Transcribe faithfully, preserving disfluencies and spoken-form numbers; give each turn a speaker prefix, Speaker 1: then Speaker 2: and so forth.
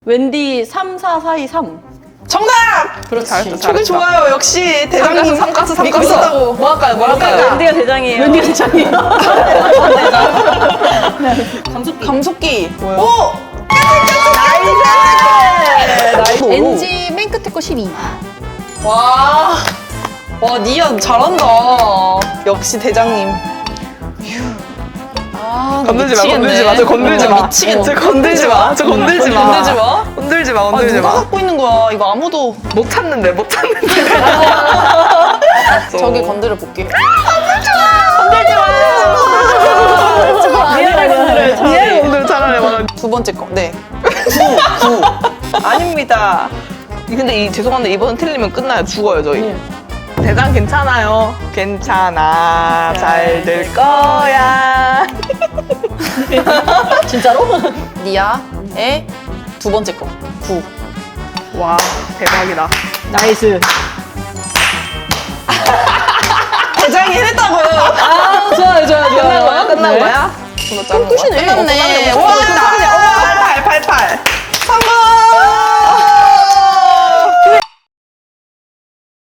Speaker 1: 웬디 삼 사 사 이 삼.
Speaker 2: 정답!
Speaker 1: 그렇지.
Speaker 2: 잘했어, 저게 좋아요. 역시 대장님
Speaker 3: 삼가스, 삼가스,
Speaker 2: 믿고
Speaker 3: 삼가스.
Speaker 2: 있다고. 뭐 할까요? 뭐 할까요?
Speaker 1: 웬디가 대장이에요.
Speaker 3: 웬디가 대장이에요.
Speaker 1: 감속기.
Speaker 2: 감속기.
Speaker 1: 뭐요?
Speaker 2: 오! 나이스!
Speaker 3: 엔지 맨 끝에 거 십이.
Speaker 2: 와. 와, 니아 잘한다. 역시 대장님. 아,
Speaker 3: 건들지 마,
Speaker 2: 미치겠네.
Speaker 3: 건들지 마, 저 건들지
Speaker 2: 어,
Speaker 3: 마.
Speaker 2: 미치겠네.
Speaker 3: 저 건들지 마, 저 건들지 마.
Speaker 2: 건들지 마.
Speaker 3: 건들지 마,
Speaker 2: 아,
Speaker 3: 건들지
Speaker 2: 누가
Speaker 3: 마.
Speaker 2: 갖고 있는 거야? 이거 아무도.
Speaker 3: 못 찾는데, 못 찾는데.
Speaker 2: 저기 건드려 볼게.
Speaker 1: 미안해, 건드려요, 차라리.
Speaker 3: 얘 오늘 차라리 말하
Speaker 2: 두 번째 거. 네. 구, 구. 아닙니다. 근데 이, 죄송한데 이번 틀리면 끝나요. 죽어요, 저희.
Speaker 1: 네.
Speaker 3: 대장 괜찮아요. 괜찮아. 잘 될 거야.
Speaker 1: 진짜로?
Speaker 2: 니아의 두 번째 거. 구.
Speaker 3: 와, 대박이다.
Speaker 1: 나이스.
Speaker 2: 대장이 해냈다고요.
Speaker 1: 아, 좋아요, 좋아요, 좋아요.
Speaker 2: 끝난 거야? 끝난
Speaker 1: 네.
Speaker 2: 거야?
Speaker 1: 끝이네.
Speaker 2: 끝났네. 와!